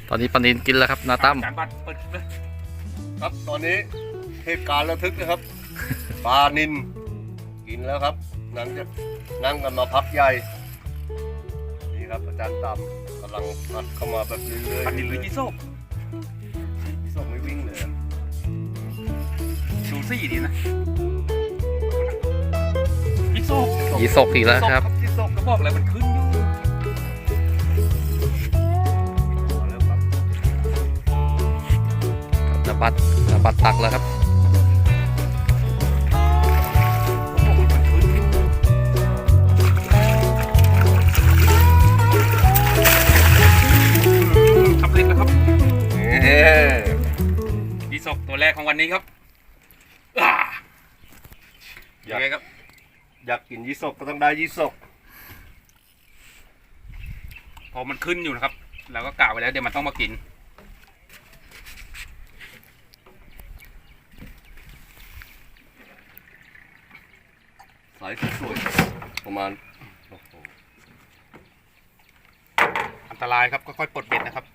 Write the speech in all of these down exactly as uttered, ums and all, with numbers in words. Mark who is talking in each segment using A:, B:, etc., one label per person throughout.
A: ตอนนี้ปลานินกินแล้วครับนาตั้ม
B: จานบัตรเปิดคลิปเลย
C: ครับตอนนี้เหตุการณ์ระทึกนะครับ ปลานินกินแล้วครับนั่งจะนั่งกันมาพักใหญ่นี่ครับอาจารย์ตามกำลังพัดเข้ามาแบบเรื่อยๆ
B: ปลานินหรือยี่โซ่
C: พี่ส่งไม่วิ่งเลยอะ
B: ดูซี่ดีนะยี่โซ่
A: ยีสกอีกแล้วครับ
B: ยี่โซ่ก็บอกเลยมันขึ้นอยู่
C: มาแล้วครับ
A: นาบัตนาบัตตักแล้วครับ
B: ก็บอกมันขึ้นอยู่สำเร็จแล้วครับ
C: นี่
B: ยี่โซ่ตัวแรกของวันนี้ครับอ่ายังไงครับ
C: อยากกินยี่สกก็ต้องได้ยี่สก
B: พอมันขึ้นอยู่นะครับเราก็กะไว้แล้วเดี๋ยวมันต้องมากิน
C: สายสวยๆประมาณโอ้โห
B: อันตรายครับค่อยๆปลดเบ็ดนะครับ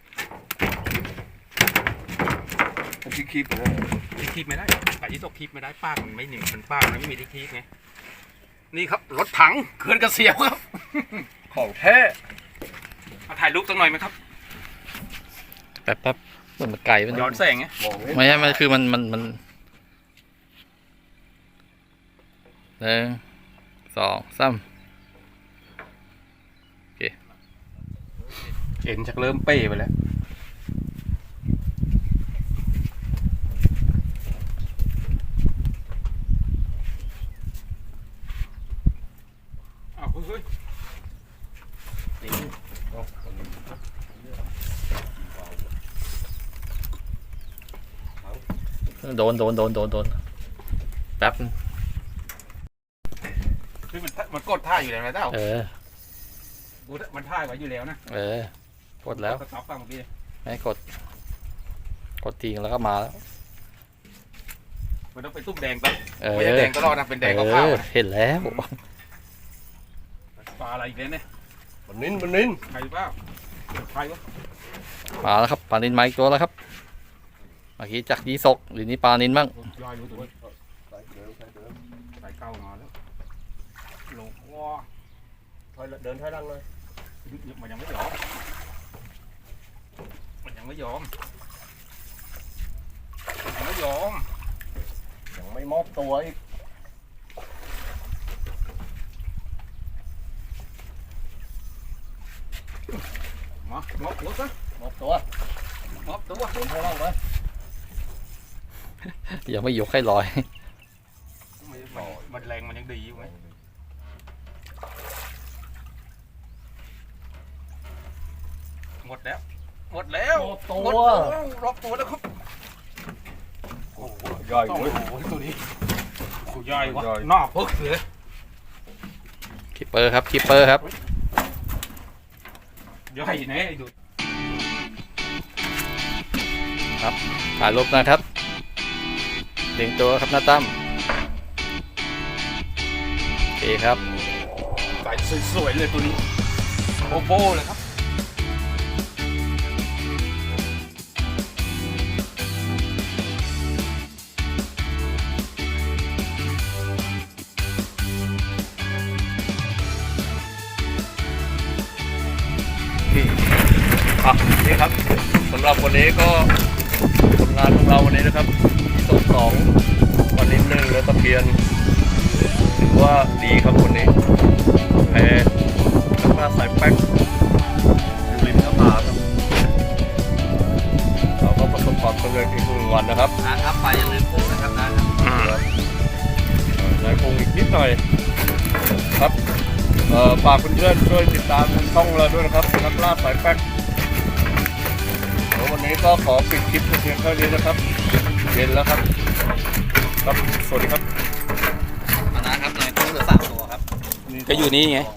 C: มันที่คีบนะ
B: ที่คีบไม่ได้ปลายี่สกคีบไม่ได้ปากมันไม่หนึ่งมันปากมันไม่มีที่คีบไงนี่ครับรถถังเขื่อนกระเสียวครับ
C: ของแท้
B: มาถ่ายรูปสักหน่อยไหมครับ
A: แป๊บแป๊บเหมือนมันไก่มัน
B: ย้อนแสงไง
C: มอง
A: ไม่ใช่มันคือมันมันมันหนึ่งสองสาม
B: เอ็นชักเริ่มเป้ไปแล้วอ้าวเฮ้ย
A: โดนโดนโดนโดนโดนแป๊บ
B: คือมันมันกดท่าอยู่แล้วนะเต้า
A: เออ
B: ดูมันท่าไว้อยู่แล้วนะ
A: เออกดแล้ว
B: สต็อปฟังเมื่อกี้
A: ไม่กด กดทิ้งแล้วก็มาแล้ว
B: มันต้องเป็นตุ้มแดงปะ
A: เออ
B: ไม่ใช่แดงตลอดนะเป็นแดง
A: เอ
B: ขาว
A: อ
B: ๆนะ
A: เห็นแล้ว
B: ปลาอะไรอีกแล้วเนี่ย
C: ปลานินปลานิน
B: ใครเปล่าใครวะ
A: มาแล้วครับปลานินมาอีกตัวแล้วครับเมื่อกี้จากยีสกหรือนี่ปลานินบ้าง
B: ย่อยรู้ตัว
C: สายเดิมสายเดิม
B: สายเก้ามาแล้วลงว้า
C: ถอยเดินถอยหลังเลย
B: มันยังไม่ยอมมันยังไม่ยอมมันยังไม่ยอม
C: ยังไม่มอบตัวอีก
B: มามอบตัวซะ
C: มอบตัว
B: มอบตัว
C: เดินถอยหลังไป
A: ยังไม่ยกให้ลอย
B: มันมันแรงมันยังดีอยู่ไหมหมดแล้วหมดแล้ว
C: มอบตั
B: หมด
C: ว
B: แล้วรอบตัวแล้วครับโอ้โห
C: ใหญ่
B: โอ้
C: เว้ย
B: โหตัวนี้โอ้ใหญ่วะ
C: ใหญ่
B: หน้าพึกเลย
A: คิปเปอร์ครับคิปเปอร์ครับ
B: ใหญ่แน่ไอ้ดู
A: ถ่ายรูปนะครับเลียงตัวครับนาตั้มโอเคครับ
B: ใส่สวยๆเลยตัวนี้โบโบเลยครับ
C: อ่ะนี่ครับสำหรับวันนี้ก็ผลงานของเราวันนี้นะครับที่สองสองวันนี้หนึ่งแล้วตะเพียนถือว่าดีครับวันนี้แพ้ข้างหน้าสายแป๊กอยู่ริมหน้าผาครับเราก็ประสบความสำเร็จอีกหนึ่งวันนะครับ
A: นะครับไปอย่าลืมปูนะครับนะครับ
C: นายคงอีกนิดหน่อยครับเอ่อฝากเพื่อนๆช่วยติดตามทางช่องเราด้วยนะครับนักล่าสายแป๊กแล้ววันนี้ก็ขอปิดคลิปเพียงเท่านี้นะครับเย็นแล้วครับครับสวัสดีครับ
A: มานะครับนายกุ้งเหลือสามตัวครับ
B: ก็อยู่นี่ไง
C: สอง